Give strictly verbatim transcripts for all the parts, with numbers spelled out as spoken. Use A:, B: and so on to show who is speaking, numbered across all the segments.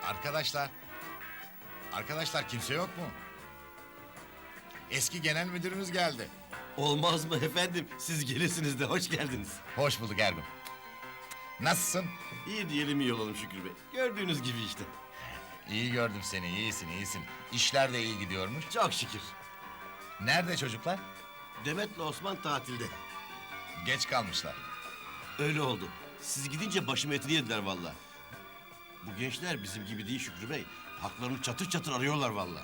A: Arkadaşlar. Arkadaşlar kimse yok mu? Eski genel müdürümüz geldi.
B: Olmaz mı efendim? Siz gelirsiniz de hoş geldiniz.
A: Hoş bulduk Ergun. Nasılsın?
B: İyi diyelim iyi olalım Şükrü Bey. Gördüğünüz gibi işte.
A: İyi gördüm seni, iyisin, iyisin. İşler de iyi gidiyormuş.
B: Çok şükür.
A: Nerede çocuklar?
B: Demet'le Osman tatilde.
A: Geç kalmışlar.
B: Öyle oldu. Siz gidince başım etini yediler vallahi. Bu gençler bizim gibi değil Şükrü Bey. Haklarını çatır çatır arıyorlar vallahi.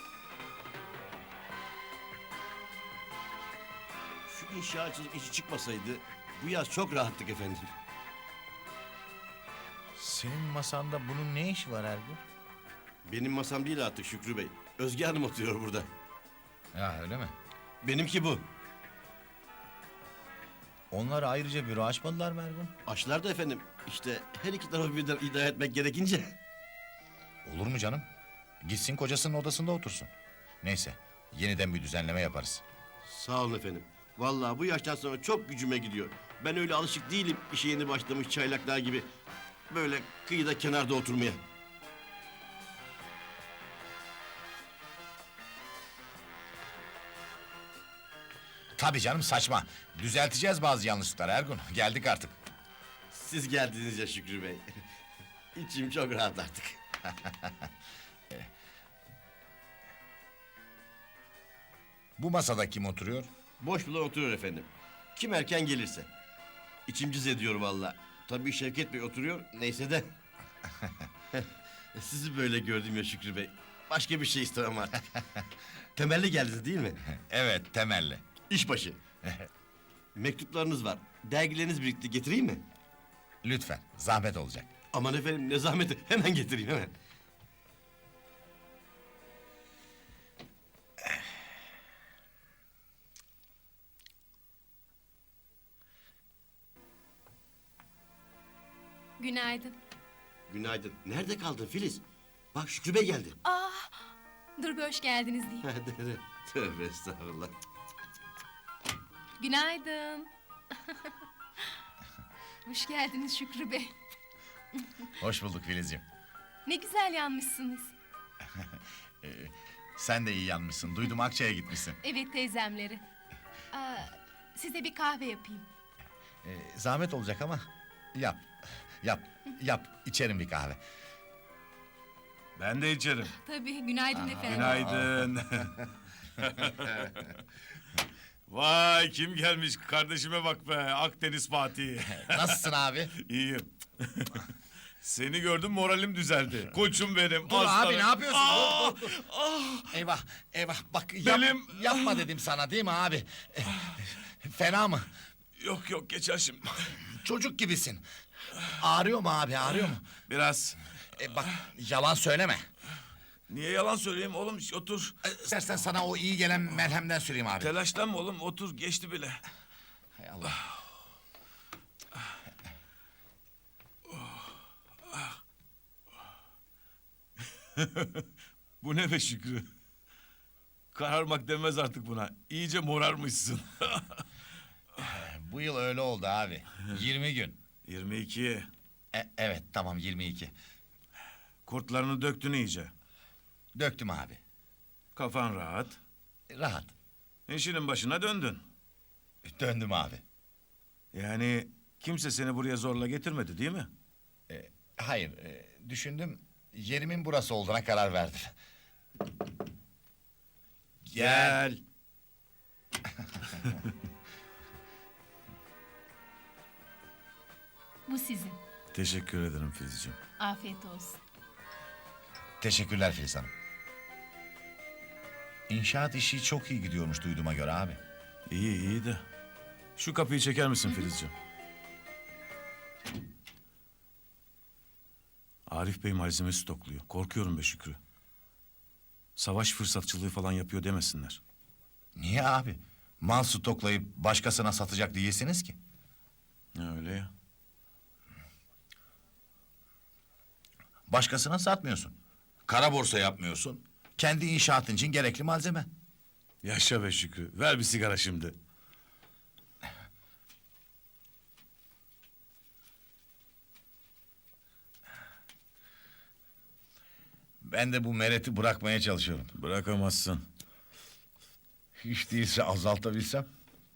B: Şu inşaatçılık işi çıkmasaydı bu yaz çok rahattık efendim.
A: Senin masanda bunun ne işi var Ergun?
B: Benim masam değil artık Şükrü Bey. Özge Hanım oturuyor burada.
A: Ya öyle mi?
B: Benimki bu.
A: Onlar ayrıca büro açmadılar mı Ergun?
B: Aşılar da efendim. İşte her iki tarafı birden idare etmek gerekince.
A: Olur mu canım? Gitsin kocasının odasında otursun. Neyse, yeniden bir düzenleme yaparız.
B: Sağ olun efendim. Vallahi bu yaştan sonra çok gücüme gidiyor. Ben öyle alışık değilim işe yeni başlamış çaylaklar gibi. Böyle kıyıda kenarda oturmaya.
A: Tabii canım saçma. Düzelteceğiz bazı yanlışlıkları Ergun. Geldik artık.
B: Siz geldiniz ya Şükrü Bey. İçim çok rahat artık.
A: Bu masada kim oturuyor?
B: Boş bulan oturuyor efendim. Kim erken gelirse. İçim cız ediyor vallahi. Tabii Şevket Bey oturuyor. Neyse de. Sizi böyle gördüm ya Şükrü Bey. Başka bir şey istemem artık. Temelli geldiniz değil mi?
A: Evet, temelli.
B: İşbaşı. Mektuplarınız var. Dergileriniz birikti. Getireyim mi?
A: Lütfen, zahmet olacak.
B: Aman efendim ne zahmeti. Hemen getireyim hemen.
C: Günaydın.
B: Günaydın. Nerede kaldın Filiz? Bak Şükrü Bey geldi.
C: Aa, dur bir hoş geldiniz diyeyim.
B: Tövbe estağfurullah.
C: Günaydın. Hoş geldiniz Şükrü Bey.
A: Hoş bulduk Filizciğim.
C: Ne güzel yanmışsınız.
A: Ee, sen de iyi yanmışsın. Duydum Akçay'a gitmişsin.
C: Evet teyzemleri. Aa, size bir kahve yapayım.
A: Ee, zahmet olacak ama yap. Yap, yap. İçerim bir kahve.
D: Ben de içerim.
C: Tabii günaydın efendim.
D: Günaydın. Vay kim gelmiş kardeşime bak be Akdeniz Fatih.
A: Nasılsın abi?
D: İyiyim. Seni gördüm moralim düzeldi. Koçum benim.
A: Dur
D: aslanım.
A: abi ne yapıyorsun?
D: Aa,
A: Dur, dur, dur.
D: ah.
A: Eyvah, eyvah. Bak yap,
D: Benim-
A: yapma dedim sana değil mi abi? Eh, Fena mı?
D: Yok yok geçer şimdi.
A: Çocuk gibisin. Ağrıyor mu abi, ağrıyor mu?
D: Biraz.
A: E, bak yalan söyleme.
D: Niye yalan söyleyeyim oğlum otur.
A: E, İstersen sana o iyi gelen merhemden süreyim abi.
D: Telaşlanma oğlum otur geçti bile.
A: Hay Allah.
D: Bu ne be Şükrü? Kararmak demez artık buna. İyice morarmışsın.
A: Bu yıl öyle oldu abi. yirmi gün.
D: yirmi iki.
A: E, evet tamam yirmi iki.
D: Kurtlarını döktün iyice.
A: Döktüm abi.
D: Kafan rahat.
A: Rahat.
D: İşinin başına döndün.
A: Döndüm abi.
D: Yani kimse seni buraya zorla getirmedi değil mi?
A: E, hayır e, düşündüm. Yerimin burası olduğuna karar verdim.
D: Gel.
C: Bu sizin.
D: Teşekkür ederim Filizciğim.
C: Afiyet olsun.
A: Teşekkürler Filiz Hanım. İnşaat işi çok iyi gidiyormuş duyduğuma göre abi.
D: İyi iyi de. Şu kapıyı çeker misin Filizciğim? Arif Bey malzeme stokluyor. Korkuyorum be Şükrü. Savaş fırsatçılığı falan yapıyor demesinler.
A: Niye abi? Mal stoklayıp başkasına satacak değilsiniz ki.
D: Öyle ya.
A: Başkasına satmıyorsun. Kara borsa yapmıyorsun. Kendi inşaatın için gerekli malzeme.
D: Yaşa be Şükrü. Ver bir sigara şimdi.
A: Ben de bu mereti bırakmaya çalışıyorum.
D: Bırakamazsın.
A: Hiç değilse azaltabilsem.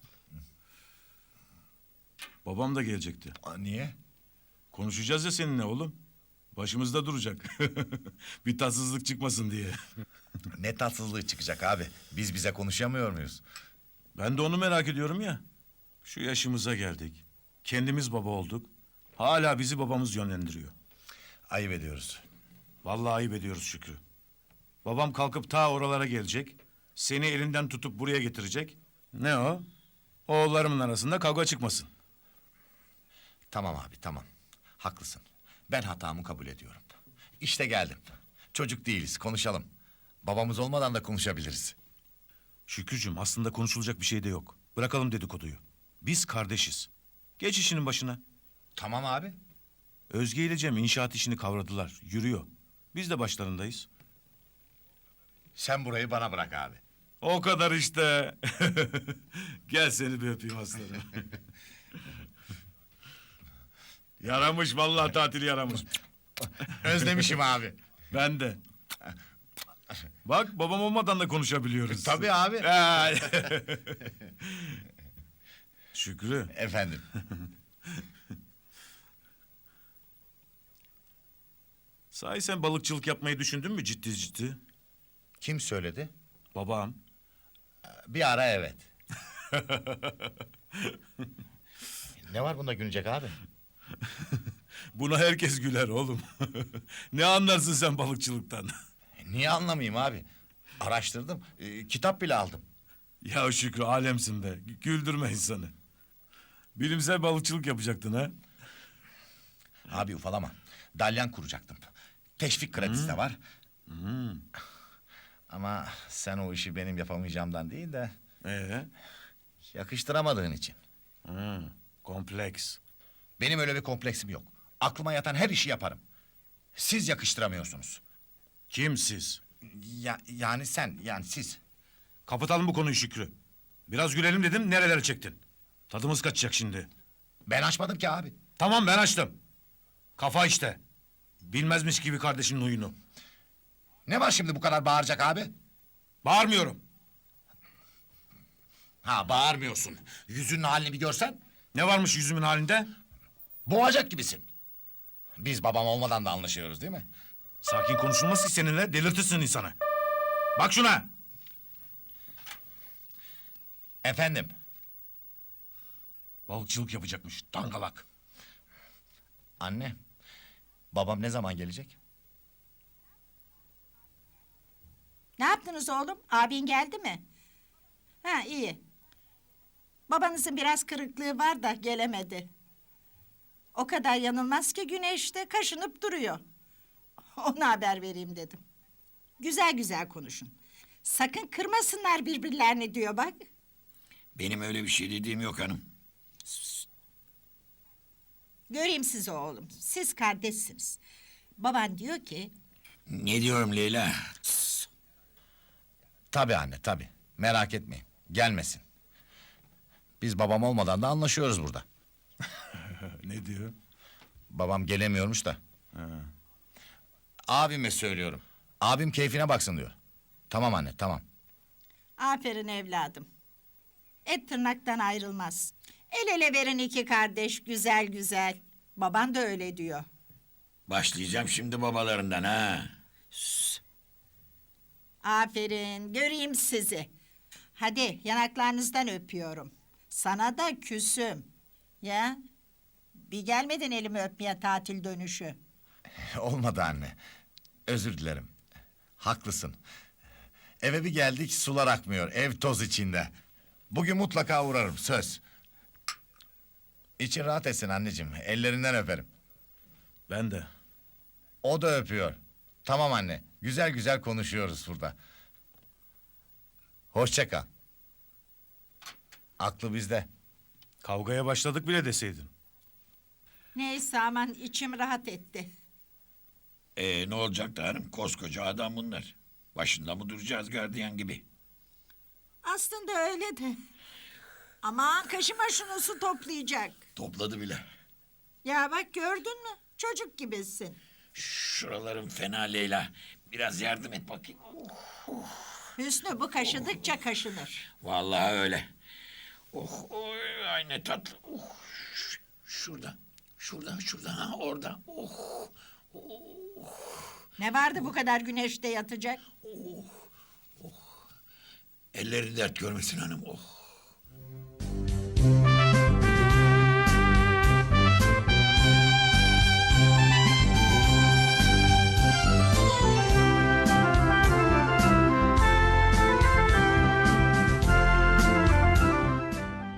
D: Babam da gelecekti.
A: Aa, niye?
D: Konuşacağız ya seninle oğlum. Başımızda duracak. Bir tatsızlık çıkmasın diye.
A: Ne tatsızlığı çıkacak abi. Biz bize konuşamıyor muyuz?
D: Ben de onu merak ediyorum ya. Şu yaşımıza geldik. Kendimiz baba olduk. Hala bizi babamız yönlendiriyor.
A: Ayıp ediyoruz.
D: Vallahi ayıp ediyoruz Şükrü. Babam kalkıp ta oralara gelecek. Seni elinden tutup buraya getirecek. Ne o? Oğullarımın arasında kavga çıkmasın.
A: Tamam abi tamam. Haklısın. Ben hatamı kabul ediyorum. İşte geldim. Çocuk değiliz, konuşalım. Babamız olmadan da konuşabiliriz.
D: Şükrücüğüm aslında konuşulacak bir şey de yok. Bırakalım dedikoduyu. Biz kardeşiz. Geç işinin başına.
A: Tamam abi.
D: Özge ile Cem inşaat işini kavradılar. Yürüyor. Biz de başlarındayız.
A: Sen burayı bana bırak abi.
D: O kadar işte. Gel seni bir öpeyim aslanım. Yaramış vallahi tatil yaramış.
A: Özlemişim abi.
D: Ben de. Bak babam olmadan da konuşabiliyoruz.
A: Tabii abi.
D: Ha. Şükrü.
A: Efendim.
D: Sahi sen balıkçılık yapmayı düşündün mü ciddi ciddi?
A: Kim söyledi?
D: Babam.
A: Bir ara evet. Ne var bunda gülecek abi?
D: Buna herkes güler oğlum. Ne anlarsın sen balıkçılıktan?
A: Niye anlamayayım abi? Araştırdım, e, kitap bile aldım.
D: Ya Şükrü alemsin be. Güldürme insanı. Bilimsel balıkçılık yapacaktın ha?
A: Abi ufalama. Dalyan kuracaktım. Teşvik kredisi de var. Ama sen o işi benim yapamayacağımdan değil de
D: Ee?
A: yakıştıramadığın için.
D: Hı, kompleks.
A: Benim öyle bir kompleksim yok. Aklıma yatan her işi yaparım. Siz yakıştıramıyorsunuz.
D: Kim siz?
A: Ya, yani sen, yani siz.
D: Kapatalım bu konuyu Şükrü. Biraz gülelim dedim nerelere çektin? Tadımız kaçacak şimdi.
A: Ben açmadım ki abi.
D: Tamam ben açtım. Kafa işte. Bilmezmiş gibi kardeşinin huyunu.
A: Ne var şimdi bu kadar bağıracak abi?
D: Bağırmıyorum.
A: Ha bağırmıyorsun. Yüzünün halini bir görsen
D: Ne varmış yüzümün halinde?
A: boğacak gibisin. Biz babam olmadan da anlaşıyoruz değil mi?
D: Sakin konuşulmaz ki seninle delirtirsin insanı. Bak şuna.
A: Efendim,
D: Balıkçılık yapacakmış dangalak.
A: anne. Babam ne zaman gelecek?
E: Ne yaptınız oğlum? Abin geldi mi? Ha iyi. Babanızın biraz kırıklığı var da gelemedi. O kadar yanılmaz ki güneşte kaşınıp duruyor. Ona haber vereyim dedim. Güzel güzel konuşun. Sakın kırmasınlar birbirlerini diyor bak.
F: Benim öyle bir şey dediğim yok hanım.
E: Göreyim sizi oğlum. Siz kardeşsiniz. Baban diyor ki
F: Ne diyorum Leyla?
A: Tabii anne, tabii. Merak etmeyin. Gelmesin. Biz babam olmadan da anlaşıyoruz burada.
D: Ne diyor?
A: Babam gelemiyormuş da. Abime söylüyorum. Abim keyfine baksın diyor. Tamam anne, tamam.
E: aferin evladım. Et tırnaktan ayrılmaz. El ele verin iki kardeş güzel güzel. Baban da öyle diyor.
F: Başlayacağım şimdi babalarından ha.
E: Aferin, göreyim sizi. Hadi yanaklarınızdan öpüyorum. Sana da küsüm. Ya, bir gelmedin elimi öpmeye tatil dönüşü.
A: Olmadı anne. Özür dilerim. Haklısın. Eve bir geldik, sular akmıyor. Ev toz içinde. Bugün mutlaka uğrarım, söz. İçin rahat etsin anneciğim. Ellerinden öperim.
D: Ben de.
A: O da öpüyor. Tamam anne. Güzel güzel konuşuyoruz burada. Hoşça kal. Aklı bizde.
D: Kavgaya başladık bile deseydin.
E: Neyse aman içim rahat etti.
F: Ee, ne olacak da hanım? Koskoca adam bunlar. Başında mı duracağız gardiyan gibi?
E: Aslında öyle de. Aman kaşıma şunu su toplayacak.
F: Topladı bile.
E: Ya bak gördün mü? Çocuk gibisin.
F: Şuralarım fena Leyla. Biraz yardım et bakayım.
E: Hüsnü bu kaşıdıkça kaşınır.
F: Vallahi öyle. Oh, oy, ay ne tatlı. Oh, ş- şurada, şurada, şurada, ha orada. Oh,
E: Ne vardı bu kadar güneşte yatacak?
F: elleri dert görmesin hanım. Oh.